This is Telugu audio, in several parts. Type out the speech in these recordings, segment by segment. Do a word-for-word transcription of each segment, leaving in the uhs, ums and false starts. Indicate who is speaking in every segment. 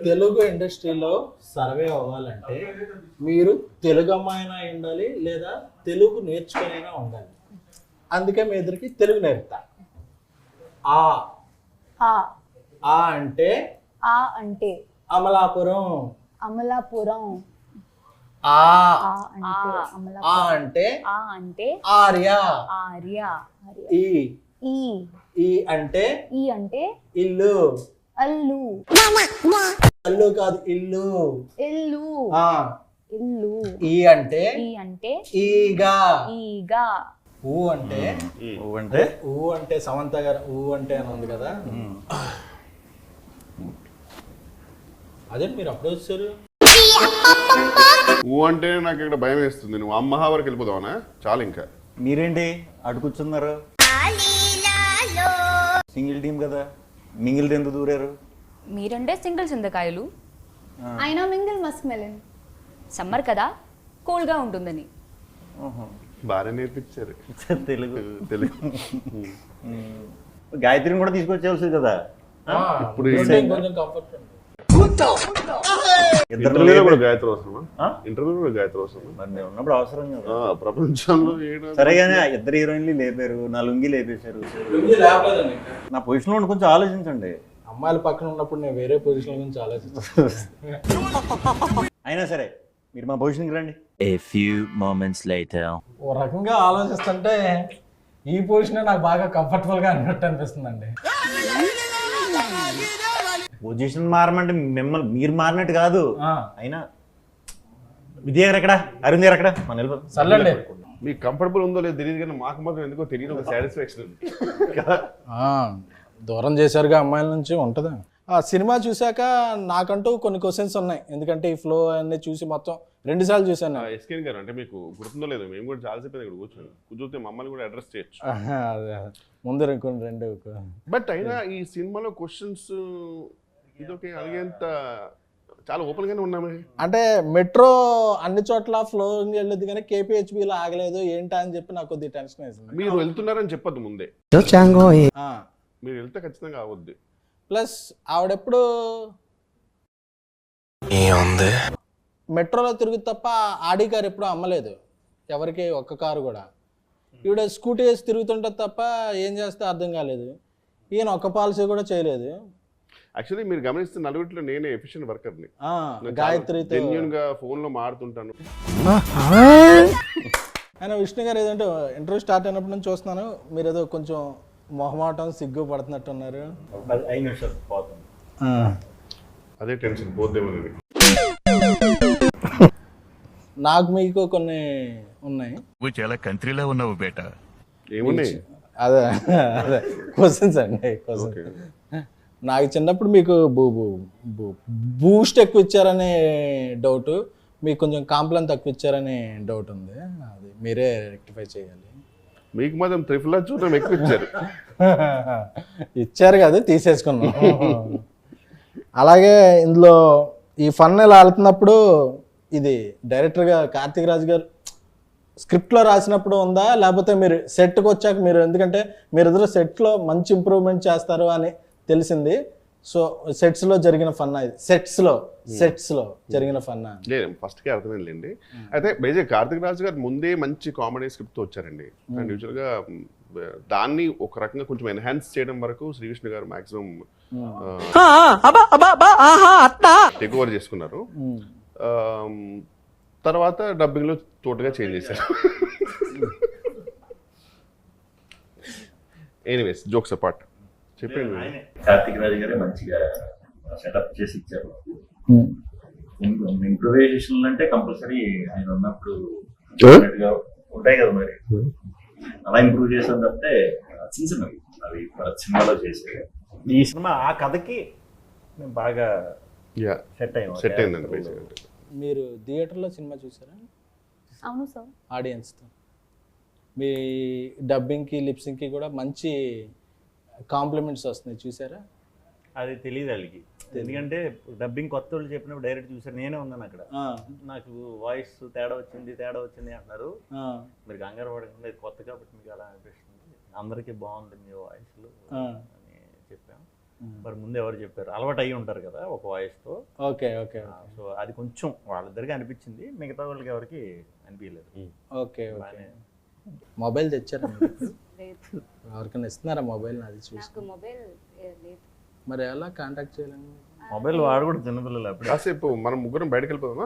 Speaker 1: తెలుగు ఇండస్ట్రీలో సర్వే అవ్వాలంటే మీరు తెలుగు అమ్మాయినా ఉండాలి లేదా తెలుగు నేర్చుకునైనా ఉండాలి. అందుకే మీ ఇద్దరికి తెలుగు నేర్పుతా. ఆ
Speaker 2: ఆ
Speaker 1: ఆ అంటే
Speaker 2: ఆ అంటే
Speaker 1: అమలాపురం.
Speaker 2: అమలాపురం.
Speaker 1: ఆ
Speaker 2: ఆ అంటే అమలాపురం.
Speaker 1: ఆ అంటే
Speaker 2: ఆ అంటే
Speaker 1: ఆర్య.
Speaker 2: ఆర్య.
Speaker 1: ఈ
Speaker 2: ఈ
Speaker 1: ఈ అంటే
Speaker 2: ఈ అంటే
Speaker 1: ఇల్లు.
Speaker 2: అల్లు.
Speaker 1: అల్లు కాదు ఇల్లు.
Speaker 2: ఇల్లు.
Speaker 1: ఆ
Speaker 2: ఇల్లు.
Speaker 1: ఈ అంటే
Speaker 2: ఈ అంటే
Speaker 1: ఈగా.
Speaker 2: ఈగా.
Speaker 1: ఊ అంటే
Speaker 3: ఊ అంటే
Speaker 1: ఊ అంటే సమంత గారు ఊ అంటే అని ఉంది కదా, అదే మీరు అప్పుడు వచ్చారు.
Speaker 4: ఊ అంటే నాకు ఇక్కడ భయం వేస్తుంది. నువ్వు అమ్మహా వరకు వెళ్ళిపోదావనా? చాలు ఇంకా.
Speaker 3: మీరేంటి అటు కూర్చున్నారు? సింగిల్ టీం కదా, మింగిల్ ఎందుకు దూరారు?
Speaker 5: మీరంటే సింగిల్ చింతకాయలు,
Speaker 2: అయినా మింగిల్ మస్క్ మెలన్.
Speaker 5: సమ్మర్ కదా కూల్గా ఉంటుందని.
Speaker 4: బాగా నేర్పించారు
Speaker 3: తెలుగు
Speaker 4: తెలుగు.
Speaker 3: గాయత్రిని కూడా తీసుకొచ్చేవాల్సింది కదా.
Speaker 4: ఇప్పుడు
Speaker 1: కొంచెం కంఫర్ట్ ఉంది.
Speaker 4: ఇంటర్వ్యూలో కూడా గాయత్రి అవసరమా? ఇంటర్వ్యూలో కూడా గాయత్రి అవసరమా?
Speaker 3: మరి నేను ఉన్నప్పుడు అవసరం కదా.
Speaker 4: ప్రపంచంలో ఏడా
Speaker 3: సరే కానీ ఇద్దరు హీరోయిన్లు లేపారు, నా లుంగి లేపేశారు. నా పొజిషన్లో ఉండి కొంచెం ఆలోచించండి.
Speaker 1: అమ్మాయిల పక్కన ఉన్నప్పుడు నేను వేరే పొజిషన్ గురించి ఆలోచిస్తాను.
Speaker 3: అయినా సరే మీరు మా పొజిషన్కి రండి.
Speaker 6: A few moments later.
Speaker 1: ఓ రకంగా ఆలోచిస్తుంటే ఈ పొజిషన్ నాకు బాగా కంఫర్టబుల్ గా అన్నట్టు అనిపిస్తుందండి.
Speaker 3: పొజిషన్ మారమంటే మిమ్మల్ని మీరు మారినట్టు కాదు. అయినా విద్య గారు ఎక్కడ, అరుణ్ గారు ఎక్కడ? మన వెళ్ళిపోతాం.
Speaker 1: సర్లేండి.
Speaker 4: మీకు కంఫర్టబుల్ ఉందో లేదో తెలియదు కానీ మాకు మాత్రం ఎందుకో తెలియదు ఒక సాటిస్ఫాక్షన్ ఉంది కదా.
Speaker 1: దూరం చేశారుగా అమ్మాయిల నుంచి ఉంటుందా? ఆ సినిమా చూశాక నాకంటూ కొన్ని క్వశ్చన్స్ ఉన్నాయి, ఎందుకంటే ఈ ఫ్లో అన్ని చూసి మొత్తం రెండు సార్లు చూశాను.
Speaker 4: ఎస్కేన్ గారు అంటే మీకు గుర్తుందో లేదో, మేము కూడా చాలాసేపు ఇక్కడ కూర్చొని కూర్చొస్తే మమ్మల్ని కూడా అడ్రస్ చేయొచ్చు.
Speaker 1: ముందు కొన్ని రెండు.
Speaker 4: బట్ అయినా ఈ సినిమాలో క్వశ్చన్స్ ఇదొకే అడిగేంత చాలా ఓపెన్ గానే ఉన్నామే.
Speaker 1: అంటే మెట్రో అన్ని చోట్ల ఫ్లో వెళ్ళదు కానీ కేపీహెచ్బిలో ఆగలేదు ఏంటా అని చెప్పి నాకు కొద్దిగా టెన్షన్ వేసింది.
Speaker 4: మీరు వెళ్తున్నారని చెప్పొద్దు ముందే, మీరు వెళ్తే ఖచ్చితంగా అవద్దు.
Speaker 1: ప్లస్ ఆవిడెప్పుడు మెట్రోలో తిరుగు తప్ప ఆడి కారు ఎప్పుడు అమ్మలేదు ఎవరికి, ఒక్క కారు కూడా. ఈవిడ స్కూటీ వేసి తిరుగుతుంటుంది తప్ప ఏం చేస్తే అర్థం కాలేదు. ఈయన ఒక్క పాలసీ కూడా చేయలేదు.
Speaker 4: యాక్చువల్లీ మీరు గమనిస్తే నలుగురిలో నేనే ఎఫిషియెంట్ వర్కర్ని.
Speaker 1: గాయత్రితో
Speaker 4: జెన్యూన్ గా ఫోన్ లో మాడుతుంటాను.
Speaker 1: ఆయన విష్ణు గారు ఏదంటే ఇంటర్వ్యూ స్టార్ట్ అయినప్పటి నుంచి చూస్తున్నాను, మీరు ఏదో కొంచెం మొహమాటం సిగ్గు పడుతున్నట్టున్నారు.
Speaker 3: ఐదు నిమిషాలు పోతుంది.
Speaker 4: అదే టెన్షన్ పోద్దేమని.
Speaker 1: నాకు మీకు కొన్ని ఉన్నాయి.
Speaker 7: నువ్వు చాలా కంట్రీలో ఉన్నావు బేటా.
Speaker 4: ఏమున్నాయి?
Speaker 1: అదే అదే క్వశ్చన్స్ అండి క్వశ్చన్. నాకు చిన్నప్పుడు మీకు బూ బూ బూస్ట్ ఎక్కువ ఇచ్చారనే డౌట్, మీకు కొంచెం కాంప్లైన్ తక్కువ ఇచ్చారనే డౌట్ ఉంది, అది మీరే రెక్టిఫై చేయాలి.
Speaker 4: మీకు మాత్రం త్రిఫుల్ చూడడం ఎక్కువ ఇచ్చారు.
Speaker 1: ఇచ్చారు కదా తీసేసుకున్నాం. అలాగే ఇందులో ఈ ఫన్ ఇలా వెళ్తున్నప్పుడు ఇది డైరెక్టర్గా కార్తీక్ రాజు గారు స్క్రిప్ట్లో రాసినప్పుడు ఉందా, లేకపోతే మీరు సెట్కి వచ్చాక మీరు, ఎందుకంటే మీరు ఇద్దరు సెట్లో మంచి ఇంప్రూవ్మెంట్ చేస్తారు అని తెలిసింది, సో సెట్స్లో జరిగిన ఫన్నా ఇది, సెట్స్లో సెట్స్లో జరిగిన ఫన్నా?
Speaker 4: లేదు ఫస్ట్కే అర్థమైందండి. అయితే బేజే కార్తీక్ రాజు గారు ముందే మంచి కామెడీ స్క్రిప్ట్తో వచ్చారండి. అండ్ యూజువల్గా దాన్ని ఒక రకంగా కొంచెం ఎన్హాన్స్ చేయడం వరకు శ్రీకృష్ణ గారు మాక్సిమం టేక్ ఓవర్ చేసుకున్నారు. తర్వాత డబ్బింగ్లో తోటగా చేంజ్ చేశారు. ఎనీవేస్ జోక్స్ అపార్ట్ చెప్పండి.
Speaker 8: కార్తీక్ రాజు గారే మంచిగా సెటప్ చేసి ఇచ్చారు. ఇంప్రూవైజేషన్ అంటే కంపల్సరీ ఆయన ఉన్నప్పుడు ఉంటాయి కదా, మరి అలా ఇంప్రూవ్ చేసాం తప్పితే చిన్న చిన్నవి అవి సినిమాలో చేసే.
Speaker 3: ఈ సినిమా ఆ కథకి బాగా సెట్ అయ్యింది
Speaker 4: సెట్ అయిందండి.
Speaker 1: మీరు థియేటర్లో సినిమా చూసారా?
Speaker 2: అవును సార్.
Speaker 1: ఆడియన్స్తో మీ డబ్బింగ్కి లిప్సింగ్కి కూడా మంచి కాంప్లిమెంట్స్ వస్తున్నాయి, చూసారా?
Speaker 3: అది తెలియదు వాళ్ళకి, ఎందుకంటే డబ్బింగ్ కొత్త వాళ్ళు చెప్పినప్పుడు డైరెక్ట్ చూసారు, నేనే ఉన్నాను అక్కడ. నాకు వాయిస్ తేడా వచ్చింది తేడా వచ్చింది అంటున్నారు. మీరు కంగారు పడకుండా కొత్త కాబట్టి మీకు అలా అనిపిస్తుంది, అందరికీ బాగుంది మీ వాయిస్లు అని చెప్పాం. మరి ముందు ఎవరు చెప్పారు, అలవాటు అయ్యి ఉంటారు కదా ఒక వాయిస్తో.
Speaker 1: ఓకే ఓకే
Speaker 3: సో అది కొంచెం వాళ్ళిద్దరికి అనిపించింది, మిగతా వాళ్ళకి ఎవరికి అనిపించలేదు.
Speaker 1: Okay okay.
Speaker 3: బాగానే.
Speaker 1: మొబైల్ తెచ్చారా మీరు?
Speaker 2: లేదు,
Speaker 1: ఎవరికైనా ఇస్తున్నారా మొబైల్? అది చూసి
Speaker 2: నాకు మొబైల్ లేదు.
Speaker 1: మరి ఎలా కాంటాక్ట్ చేయాలని?
Speaker 3: మొబైల్ వాడు కూడా చిన్నపిల్లలు అప్పుడు.
Speaker 4: కాసేపు మనం ముగ్గురం బయటకు వెళ్ళిపోదామా?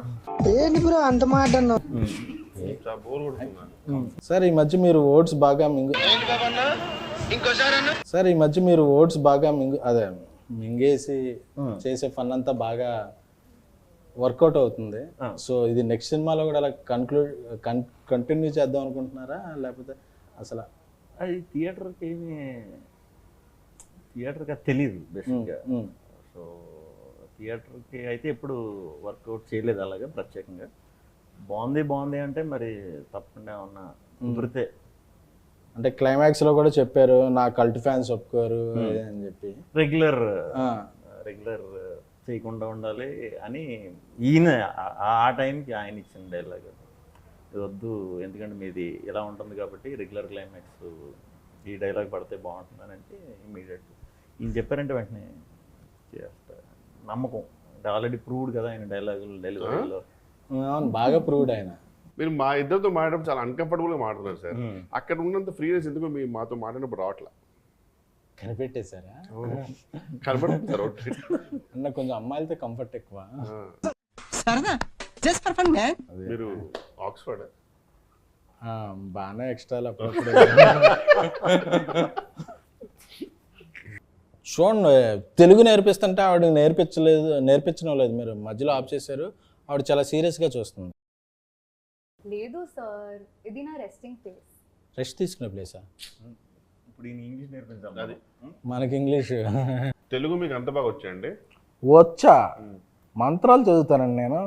Speaker 4: చాలా బోర్ కొడుతున్నా.
Speaker 1: సార్ ఈ మధ్య మీరు ఓట్స్ బాగా మింగు సార్ ఈ మధ్య మీరు ఓట్స్ బాగా మింగు అదే మింగేసి చేసే ఫన్ అంతా బాగా వర్కౌట్ అవుతుంది. సో ఇది నెక్స్ట్ సినిమాలో కూడా అలా కన్క్లూడ్ కంటిన్యూ చేద్దాం అనుకుంటున్నారా, లేకపోతే అసలు?
Speaker 3: అది థియేటర్కి ఏమి థియేటర్కి అది తెలియదు బేసిక్గా. సో థియేటర్కి అయితే ఎప్పుడు వర్కౌట్ చేయలేదు అలాగే ప్రత్యేకంగా. బాగుంది బాగుంది అంటే మరి తప్పకుండా ఏమన్నా కుదిరితే.
Speaker 1: అంటే క్లైమాక్స్ లో కూడా చెప్పారు నా కల్ట్ ఫ్యాన్స్ ఒప్పుకోరు అని చెప్పి.
Speaker 3: రెగ్యులర్ రెగ్యులర్ చేయకుండా ఉండాలి అని ఈయన ఆ- ఆ టైంకి ఆయన ఇచ్చిన డైలాగ్ ఇది వద్దు, ఎందుకంటే మీది ఇలా ఉంటుంది కాబట్టి రెగ్యులర్ క్లైమాక్స్ ఈ డైలాగ్ పడితే బాగుంటుందని అంటే ఇమీడియట్ ఈయన చెప్పారంటే వెంటనే చేస్తా. నమ్మకం అంటే ఆల్రెడీ ప్రూవ్డ్ కదా ఆయన డైలాగులు డెలివరీలో.
Speaker 1: అవును, బాగా ప్రూవ్డ్ ఆయన.
Speaker 4: మీరు మా ఇద్దరితో మాట్లాడడం చాలా అన్కంఫర్టబుల్గా మాట్లాడుతున్నారు సార్. అక్కడ ఉన్నంత ఫ్రీనెస్ ఎందుకో మీ మాతో మాట్లాడినప్పుడు రావట్లా.
Speaker 1: కనిపెట్టేశారా?
Speaker 4: కనపడుతుంది సార్ ఒకటి.
Speaker 1: అన్న కొంచెం అమ్మాయిలతో కంఫర్ట్ ఎక్కువ.
Speaker 4: మీరు ఆక్స్ఫర్డ్
Speaker 1: ఆ, బాగానే ఎక్స్ట్రాలు అప్పుడప్పుడు. చూడండి, తెలుగు నేర్పిస్తుంటే ఆవిడ నేర్పించలేదు నేర్పించడం లేదు, మీరు మధ్యలో ఆఫ్ చేశారు. ఆవిడ చాలా సీరియస్గా చూస్తుంది.
Speaker 2: లేదు సార్, ఇది నా రెస్టింగ్ ప్లేస్.
Speaker 1: రెస్ట్ తీసుకునే ప్లేసా?
Speaker 3: ఇప్పుడు ఈయన ఇంగ్లీష్ నేర్పించాలి.
Speaker 4: అది
Speaker 1: మనకి ఇంగ్లీష్
Speaker 4: తెలుగు మీకు అంత బాగా వచ్చాయండి?
Speaker 1: వచ్చా? మంత్రాలు చదువుతానండి నేను,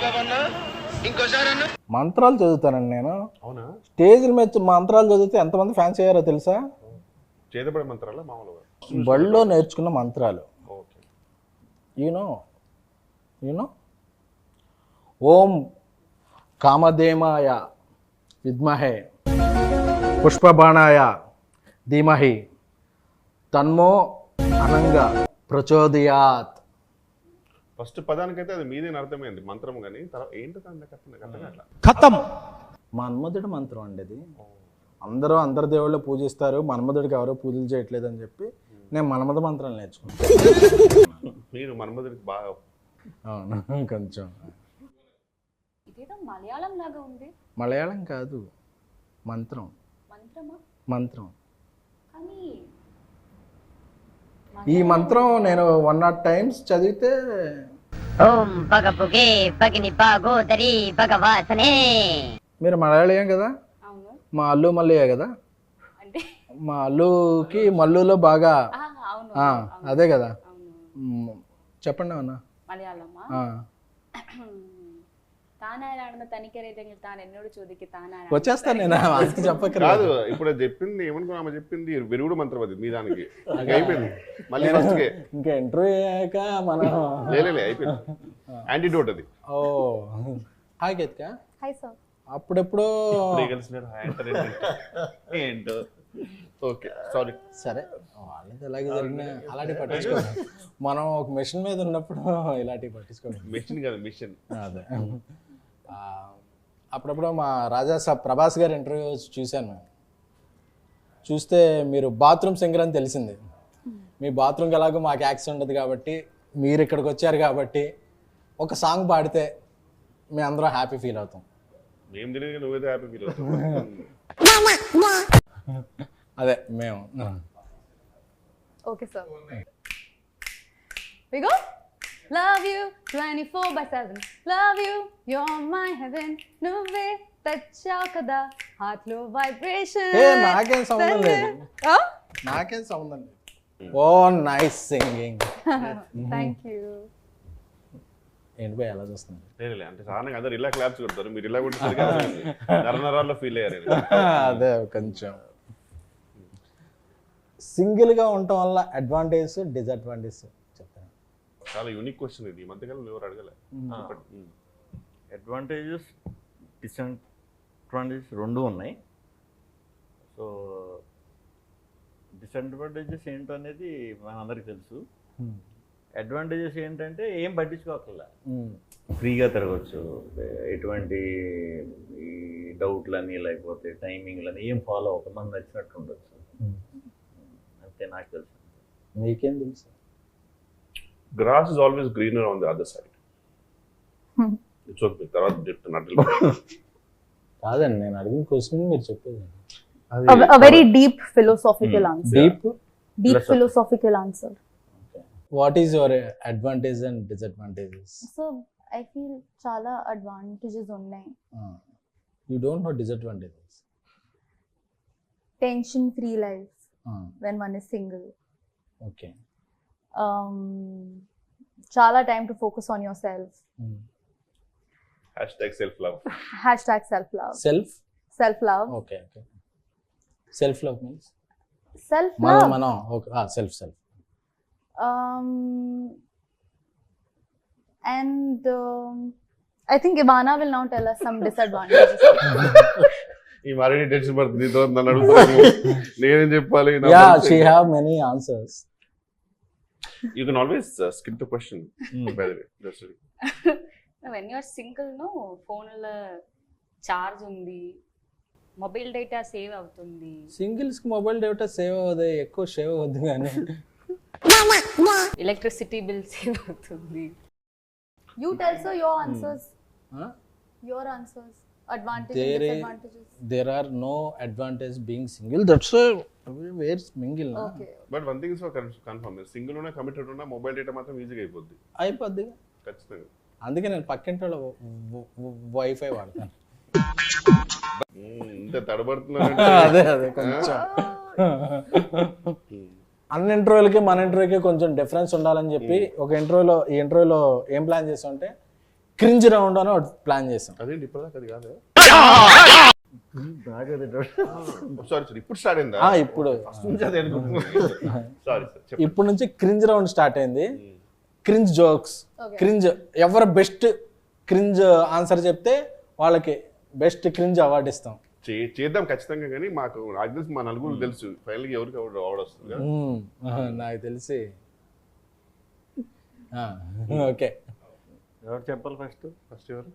Speaker 1: మంత్రాలు చదువుతానండి నేను.
Speaker 4: అవునా?
Speaker 1: స్టేజ్ల మీద మంత్రాలు చదివితే ఎంతమంది ఫ్యాన్స్ అయ్యారో తెలుసా?
Speaker 4: చేతపడే మంత్రాలా మామూలుగా?
Speaker 1: బడిలో నేర్చుకున్న మంత్రాలు.
Speaker 4: ఓకే.
Speaker 1: యూనో యూనో ఓం కామధేమాయ విద్మహే పుష్పబాణాయ ధీమహి తన్మో అనంగా ప్రచోదయాత్.
Speaker 4: ఫస్ట్ పదానికైతే అది మీదే అర్థమైంది మంత్రం, కానీ తర్వాత ఏంటో దాని అర్థం అట్లా.
Speaker 1: ఖతం. మన్మధుడి మంత్రం అండి అది. అందరూ అందరు దేవుళ్ళు పూజిస్తారు, మన్మధుడికి ఎవరో పూజలు చేయట్లేదు అని చెప్పి నేను మన్మధ మంత్రాలు నేర్చుకున్నాను.
Speaker 4: మీరు మన్మధుడికి బాగా.
Speaker 1: అవును, కొంచెం.
Speaker 2: ఇదేదో మలయాళం లాగా ఉంది.
Speaker 1: మలయాళం కాదు, మంత్రం.
Speaker 2: మంత్రమా?
Speaker 1: మంత్రం.
Speaker 2: కానీ
Speaker 1: ఈ మంత్రం నేను వన్ నాట్ టైమ్స్ చదివితే
Speaker 9: ఓం పగపుగే పగిని పాగోదరి భగవాసనే.
Speaker 1: మీరు మలయాళీయం కదా,
Speaker 2: అవును.
Speaker 1: మా అల్లు మల్లయ్య కదా,
Speaker 2: అంటే
Speaker 1: మా అల్లుకి మల్లులో బాగా
Speaker 2: ఆ, అవును
Speaker 1: ఆ,
Speaker 2: అవును,
Speaker 1: అదే కదా.
Speaker 2: అవును.
Speaker 1: మ్, చెప్పండి అన్న.
Speaker 2: മലയാളമാ? താനാരാണെന്ന് തനിക്കറിയില്ലെങ്കിൽ താൻ എന്നോട് ചോദിക്കും താനാരാണ്.
Speaker 1: వచ్చేస్తాను నేను, అది చెప్పకరా.
Speaker 4: కాదు, ఇప్పుడు అది చెప్పింది ఏమనుకున్నా, ఆమె చెప్పింది విరుగుడు మంత్రం అది మీ దానికి. ఇంకా అయిపోయింది మళ్ళీ ఫస్ట్కే.
Speaker 1: ఇంకా ఇంటర్వ్యూ అయ్యాక మనం
Speaker 4: లేలే అయిపోయింది. యాంటీడోట్ అది.
Speaker 1: Oh hi Ketika.
Speaker 2: Hi sir.
Speaker 1: అప్పుడెప్పుడు
Speaker 3: ఏంటో.
Speaker 4: Okay sorry.
Speaker 1: సరే, వాళ్ళది ఎలాగే జరిగినా అలాంటివి పట్టించుకోండి. మనం ఒక మిషన్ మీద ఉన్నప్పుడు ఇలాంటివి పట్టించుకోండి.
Speaker 4: మిషన్ కాదు మిషన్.
Speaker 1: అదే. ఆ, అప్పుడప్పుడు మా రాజా సాబ్ ప్రభాస్ గారి ఇంటర్వ్యూ చూశాను. చూస్తే మీరు బాత్రూమ్ సింగర్ అని తెలిసింది. మీ బాత్రూమ్కి ఎలాగో మాకు యాక్సెస్ ఉండదు కాబట్టి, మీరు ఇక్కడికి వచ్చారు కాబట్టి ఒక సాంగ్ పాడితే మేము అందరం హ్యాపీ ఫీల్ అవుతాం.
Speaker 4: మేము తెలియదు, నువ్వేదో హ్యాపీ ఫీల్ అవుతావు.
Speaker 1: అదే మేము.
Speaker 2: Okay sir. We go. Love you twenty-four by seven. Love you, you're my heaven. నువ్వే తెచ్చావు కదా హార్ట్ లో వైబ్రేషన్.
Speaker 1: ఏ నాకేం సంబంధం లేదు, నాకేం సంబంధం లేదు. Oh nice singing.
Speaker 2: Thank you.
Speaker 1: ఏంటి పోయి ఎలా చూస్తుంది?
Speaker 4: లేలే అంటే సాధారణంగా అందరు ఇలా క్లాప్స్ కొడతారు, మీరు ఇలా కొట్టేసరికి నరనరాల్లో ఫీల్ అయ్యారు.
Speaker 1: అదే కొంచెం సింగిల్గా ఉండటం వల్ల అడ్వాంటేజ్ డిసడ్వాంటేజ్ చెప్తాను.
Speaker 4: చాలా యూనిక్ క్వశ్చన్ ఇది, ఈ మధ్యకాలంలో ఎవరు అడగలే.
Speaker 3: అడ్వాంటేజెస్ డిసడ్వాంటేజెస్ రెండు ఉన్నాయి. సో డిసడ్వాంటేజెస్ ఏంటో అనేది మనందరికీ తెలుసు. అడ్వాంటేజెస్ ఏంటంటే ఏం పట్టించుకోకల్లా, ఫ్రీగా తిరగచ్చు, ఎటువంటి ఈ డౌట్లని లేకపోతే టైమింగ్లని ఏం ఫాలో అవ్వక మనకు నచ్చినట్టు ఉండొచ్చు. అంతే నాకు తెలుసు.
Speaker 1: మీకేం తెలుసు?
Speaker 4: Grass is always greener on the other side. It's okay. తర్వాత చెప్తున్నట్టు
Speaker 1: కాదండి, నేను అడిగిన క్వశ్చన్ మీరు చెప్పేది.
Speaker 2: A very deep philosophical answer.
Speaker 1: డీప్.
Speaker 2: Deep philosophical answer.
Speaker 1: What is your advantage and disadvantages?
Speaker 2: So I feel చాలా advantages ఉన్నాయి.
Speaker 1: You don't know disadvantages.
Speaker 2: Tension free life when one is single.
Speaker 1: Okay.
Speaker 2: Um, చాలా time to focus on yourself.
Speaker 4: Hashtag self love.
Speaker 2: Hashtag self love.
Speaker 1: Self.
Speaker 2: Self love.
Speaker 1: Okay okay. Self love means
Speaker 2: Self
Speaker 1: మనం
Speaker 2: love.
Speaker 1: మనం okay. Self self.
Speaker 2: Um, and um, I think Ivana will now tell us some disadvantages.
Speaker 4: ఈ మరీ టెన్షన్ పడుతుంది. నీతో నన్ను అడుగుతాను, నేనేం చెప్పాలి?
Speaker 1: Yeah, she have many answers.
Speaker 4: You can always skip the question by the way. Just
Speaker 5: when you're single no ఫోన్లో చార్జ్ ఉంది, మొబైల్ డేటా సేవ్ అవుతుంది.
Speaker 1: సింగిల్స్ కి మొబైల్ డేటా సేవ్ అవ్వదు, ఎక్కువ సేవ్ అవ్వద్దు కానీ
Speaker 5: ఎలక్ట్రిసిటీ బిల్ సేవ్ అవుతుంది.
Speaker 2: You tell sir your answers.
Speaker 1: Huh?
Speaker 2: Your answers. Advantages
Speaker 1: There
Speaker 2: and
Speaker 1: is-
Speaker 2: disadvantages.
Speaker 1: there are no advantage being single. That's a where mingle na.
Speaker 2: Okay.
Speaker 4: But one thing is confirm, single ఉన్నా కమిటెడ్ ఉన్నా మొబైల్ డేటా మాత్రం ఈజీగా అయిపోద్ది
Speaker 1: అయిపోద్ది.
Speaker 4: ఖచ్చితంగా.
Speaker 1: అందుకే నేను పక్కింటి వాళ్ళ వైఫై వాడతాను.
Speaker 4: ఇంత తడబడుతున్నా.
Speaker 1: అదే అదే కొంచెం అన్ని ఇంటర్వ్యూలకి మన ఇంటర్వ్యూకి కొంచెం డిఫరెన్స్ ఉండాలని చెప్పి ఒక ఇంటర్వ్యూలో ఈ ఇంటర్వ్యూలో ఏం ప్లాన్ చేసాం అంటే క్రింజ్ రౌండ్ అని ఒకటి ప్లాన్ చేసాం.
Speaker 4: అదేంటి ఇప్పటిదాకా అది కాదు. సారీ సార్, ఇప్పుడు స్టార్ట్ అయిందా?
Speaker 1: ఆ, ఇప్పుడు
Speaker 4: సారీ సార్.
Speaker 1: ఇప్పుడు నుంచి క్రింజ్ రౌండ్ స్టార్ట్ అయింది. క్రింజ్ జోక్స్, క్రింజ్ ఎవరు బెస్ట్ క్రింజ్ ఆన్సర్ చెప్తే వాళ్ళకి బెస్ట్ క్రింజ్ అవార్డు ఇస్తాం.
Speaker 4: చే- చేద్దాం ఖచ్చితంగా. కానీ మాకు నాకు తెలిసి మా నలుగురు తెలుసు ఫైనల్గా ఎవరికి ఎవరు అవార్డు వస్తుంది కదా.
Speaker 1: మ్మ్. ఆహా, నాకు తెలిసి ఓకే.
Speaker 3: ఎవరు చెప్పాలి ఫస్ట్?
Speaker 4: ఫస్ట్ ఎవరు?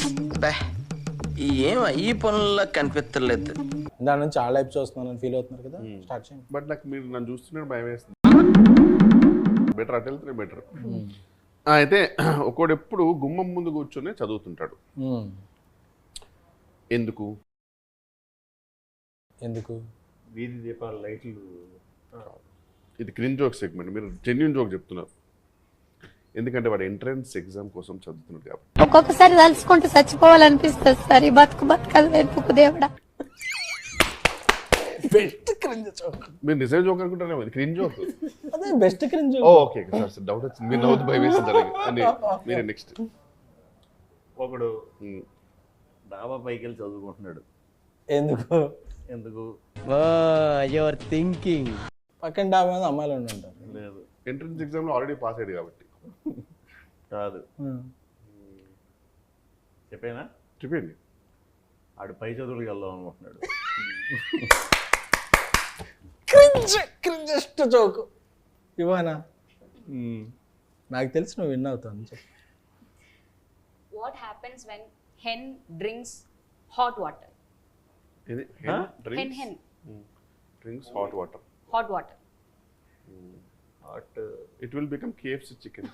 Speaker 10: ఏం ఈ పనుల్లో కనిపించలేదు.
Speaker 1: దాని నుంచి ఆ లైఫ్ చూస్తున్నాను ఫీల్ అవుతున్నారు కదా, స్టార్ట్ చేయండి.
Speaker 4: బట్ నాకు మీరు నన్ను చూస్తున్నట్టు భయం వేస్తుంది. బెటర్ అటు వెళ్తే బెటర్. అయితే ఒకడు ఎప్పుడు గుమ్మం ముందు కూర్చొని చదువుతుంటాడు.
Speaker 1: మ్మ్.
Speaker 4: ఎందుకు?
Speaker 1: ఎందుకు?
Speaker 3: వీధి దీపాల లైట్లు.
Speaker 4: ఇది క్రిన్ జోక్ సెగ్మెంట్, మీరు జెన్యున్ జోక్ చెప్తున్నారు. ఎందుకంటే వాడు ఎంట్రన్స్ ఎగ్జామ్ కోసం చదువుతున్నాడు కాబట్టి.
Speaker 9: ఒక్కొక్కసారి తలుచుకుంటూ చచ్చిపోవాలనిపిస్తుంది సార్. ఈ బతుకు బతకదు వెతుకు దేవుడా.
Speaker 1: Best cringe joke.
Speaker 4: మీరు నిజం జోక్ అనుకుంటారేమో, ఇది క్రిన్ జోక్.
Speaker 1: అదే best cringe.
Speaker 4: Oh okay sir sir, doubt వచ్చింది. మీరు నవ్వుతూ భయం వేసింది అని. మీరే నెక్స్ట్.
Speaker 3: ఒకడు డాబా పైకి వెళ్ళి చదువుకుంటున్నాడు.
Speaker 1: ఎందుకు?
Speaker 3: ఎందుకు?
Speaker 10: Your thinking.
Speaker 1: పక్కన డాబా మీద అమ్మాయిలు ఉండి ఉంటారు.
Speaker 3: లేదు,
Speaker 4: ఎంట్రన్స్ ఎగ్జామ్ లో ఆల్రెడీ పాస్ అయ్యాడు కాబట్టి.
Speaker 3: కాదు. చెప్పేనా?
Speaker 4: చెప్పండి.
Speaker 3: ఆడు పై చదువులకు వెళ్దాం అనుకుంటున్నాడు.
Speaker 1: క్రింజ్ క్రింజెస్ట్ జోక్ ఇవానా. నాకు తెలిసి నువ్వు విన్ అవుతావు. చెప్పు.
Speaker 5: What happens when hen drinks hot water?
Speaker 4: ఇది
Speaker 5: hen
Speaker 4: drinks
Speaker 5: hen
Speaker 4: drinks hot water.
Speaker 5: Hot water.
Speaker 3: Hot
Speaker 4: it will become KFC chicken.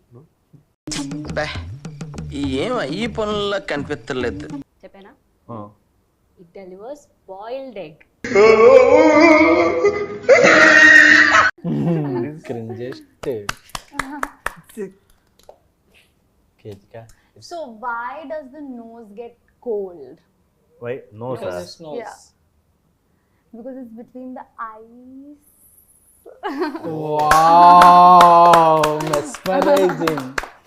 Speaker 10: ఏం ఈ పనుల్లో కనిపించలేదు.
Speaker 5: చెప్పేనా? It delivers boiled egg.
Speaker 1: Cringiest. కేజికా.
Speaker 2: So why does the nose get cold?
Speaker 3: Why? No sir.
Speaker 2: Yeah. Because it's between the eyes.
Speaker 1: Wow, mesmerizing.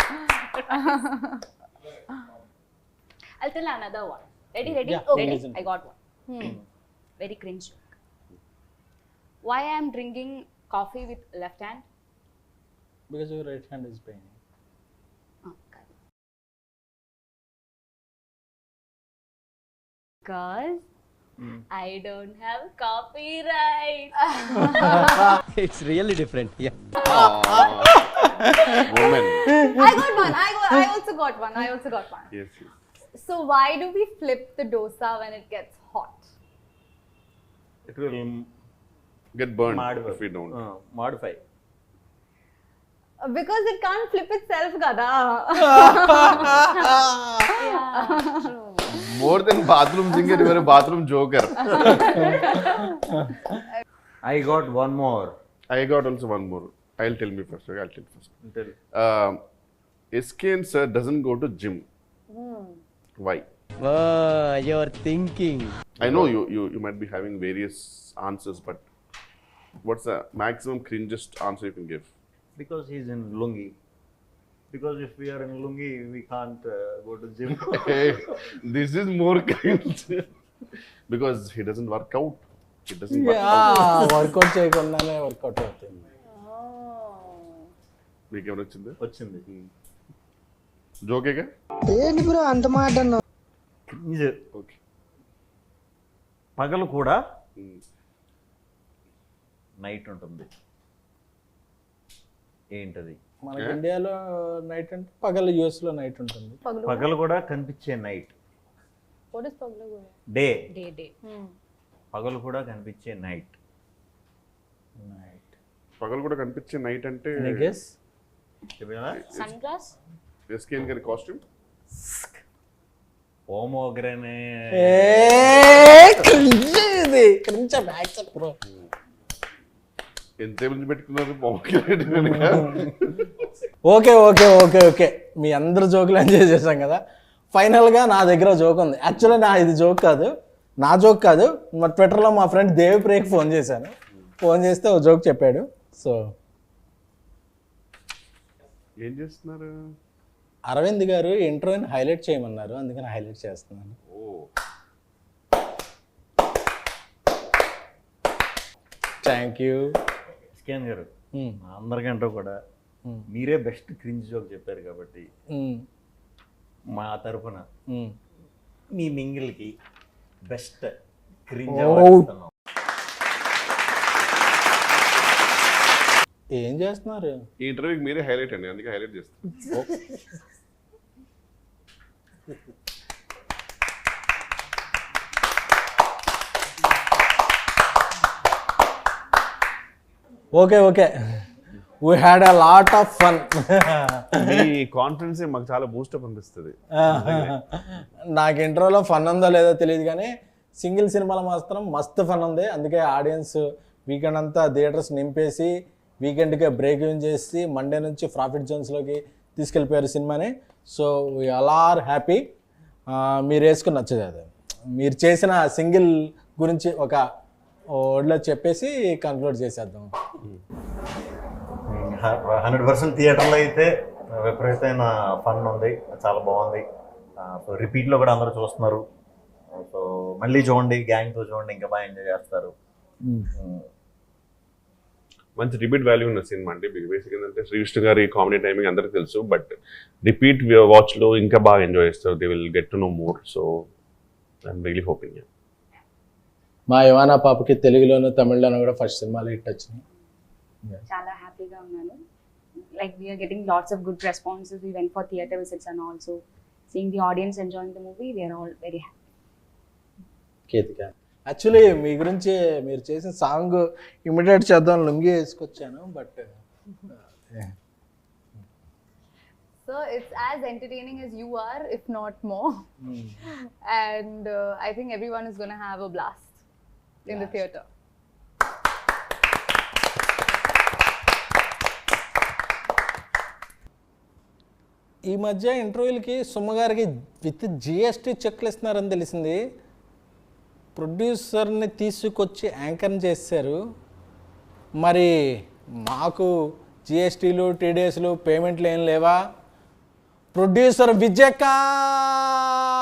Speaker 5: I'll tell another one. Ready, ready?
Speaker 1: Yeah,
Speaker 5: Ready?
Speaker 1: listen.
Speaker 5: I got one.
Speaker 2: Hmm.
Speaker 5: Very cringe joke. Why I am drinking coffee with left hand?
Speaker 1: Because your right hand is paining.
Speaker 5: Oh, God. Because I don't have copyright.
Speaker 10: It's really different. Yeah.
Speaker 4: Woman.
Speaker 2: I got one. I got. I also got one. I also got one.
Speaker 4: Yes, yes.
Speaker 2: So why do we flip the dosa when it gets hot?
Speaker 3: It will
Speaker 4: Get burned
Speaker 3: modify.
Speaker 4: if we don't.
Speaker 3: Uh, modify.
Speaker 2: Because it can't flip itself, kada.
Speaker 4: More than bathroom singer, you are a bathroom joker.
Speaker 3: I got one more.
Speaker 4: I got also one more. I'll tell me first. Okay, I'll tell first.
Speaker 3: Tell.
Speaker 4: Um, S K N sir doesn't go to gym. Why?
Speaker 10: Oh, you're thinking.
Speaker 4: I know you, you you might be having various answers, but what's the maximum cringest answer you can give?
Speaker 3: Because he's in lungi. Because if we are in lungi, we can't uh, go to gym.
Speaker 4: Hey, this is more cringe. Because he doesn't work out. He doesn't work out.
Speaker 1: Workout చేయకుండానే వర్కౌట్ అవుతుంది.
Speaker 4: మీకు ఏమైనా వచ్చిందా?
Speaker 3: వచ్చింది.
Speaker 4: జోకేగా?
Speaker 3: Cringe.
Speaker 4: ఓకే.
Speaker 3: పగలు కూడా నైట్ ఉంటుంది. ఏంటది?
Speaker 1: మనకి ఇండియాలో నైట్ అంటే పగలు యూఎస్ లో నైట్ ఉంటుంది.
Speaker 3: పగలు కూడా కనిపించే night.
Speaker 2: What is paglu?
Speaker 3: Day.
Speaker 5: Day, day.
Speaker 3: పగలు కూడా కనిపించే నైట్.
Speaker 1: నైట్.
Speaker 4: పగలు కూడా కనిపించే నైట్ అంటే
Speaker 1: I guess
Speaker 5: Sunglass?
Speaker 4: S K N గారి కాస్ట్యూమ్.
Speaker 3: ఓమోగ్రనే.
Speaker 1: ఏ క్రింజ్ ఇది. Cringe back bro.
Speaker 4: ఎంత మంది పెట్టుకున్నారు బాగుంది.
Speaker 1: ఓకే ఓకే ఓకే ఓకే మీ అందరు జోకులు ఎంజాయ్ చేశాం కదా. ఫైనల్గా నా దగ్గర జోక్ ఉంది. యాక్చువల్లీ నా ఇది జోక్ కాదు, నా జోక్ కాదు. మా ట్విట్టర్లో మా ఫ్రెండ్ దేవిప్రియకి ఫోన్ చేశాను. ఫోన్ చేస్తే ఓ జోక్ చెప్పాడు. సో
Speaker 4: ఏం చేస్తున్నారు?
Speaker 1: అరవింద్ గారు ఇంటర్వ్యూని హైలైట్ చేయమన్నారు, అందుకని హైలైట్ చేస్తున్నాను.
Speaker 4: ఓ
Speaker 1: థ్యాంక్ యూ.
Speaker 3: స్కాన్ గారు అందరికంటే కూడా మీరే బెస్ట్ క్రింజ్ జోక్ చెప్పారు కాబట్టి మా తరఫున మీ మింగిల్కి బెస్ట్ క్రింజ్ అవార్డు.
Speaker 1: ఏం చేస్తున్నారు?
Speaker 4: ఈ ఇంటర్వ్యూకి మీరే హైలైట్ అండి, అందుకే హైలైట్ చేస్తాను.
Speaker 1: Okay okay we had a lot of fun.
Speaker 4: మీ కాన్ఫిడెన్స్ మాకు చాలా బూస్టప్ అనిపిస్తుంది.
Speaker 1: నాకు ఇంటర్వ్యూలో ఫన్ ఉందో లేదో తెలియదు కానీ సింగిల్ సినిమాలో మాత్రం మస్తు ఫన్ ఉంది. అందుకే ఆడియన్స్ వీకెండ్ అంతా థియేటర్స్ నింపేసి వీకెండ్కే బ్రేక్ ఇన్ చేసి మండే నుంచి ప్రాఫిట్ జోన్స్లోకి తీసుకెళ్ళిపోయారు సినిమాని. So we all are happy. మీరు వేసుకుని నచ్చదు అది. మీరు చేసిన సింగిల్ గురించి ఒక వర్డ్లో చెప్పేసి కన్క్లూడ్ చేసేద్దాం.
Speaker 3: హండ్రెడ్ పర్సెంట్ థియేటర్లో అయితే విపరీతమైన ఫన్ ఉంది, చాలా బాగుంది. సో రిపీట్లో కూడా అందరూ చూస్తున్నారు. సో మళ్ళీ చూడండి, గ్యాంగ్తో చూడండి, ఇంకా బాగా ఎంజాయ్ చేస్తారు.
Speaker 4: మంచి రిపీట్ వాల్యూ ఉన్న సినిమా అండి. బేసిక్ ఏంటంటే శ్రీకృష్ణ గారి కామెడీ టైమింగ్ అందరికీ తెలుసు, బట్ రిపీట్ వాచ్లో ఇంకా బాగా ఎంజాయ్ చేస్తారు. They will get to know more. So I'm really hoping.
Speaker 1: మా యువానా పాపకి తెలుగులోను తమిళ్లోను కూడా ఫస్ట్ సినిమాలో హిట్ వచ్చినాయి.
Speaker 5: చాలా హ్యాపీగా ఉన్నాను. Like we're getting lots of good responses. We went for theatre visits and also seeing the audience enjoying the movie. We're all very happy.
Speaker 1: Ketika, actually మీ గురించి మీరు చేసిన సాంగ్ ఇమిడియేట్ చేద్దాం లుంగి వేసుకొచ్చాను, but
Speaker 2: So it's as entertaining as you are, if not more. Mm. And uh, I think everyone is going to have a blast in blast. the theatre.
Speaker 1: ఈ మధ్య ఇంటర్వ్యూలకి సుమ్మగారికి విత్ జిఎస్టీ చెక్లు ఇస్తున్నారని తెలిసింది. ప్రొడ్యూసర్ని తీసుకొచ్చి యాంకర్ని చేశారు. మరి మాకు జిఎస్టీలు టీడీఎస్లు పేమెంట్లు ఏం లేవా? ప్రొడ్యూసర్ విజయకాంత్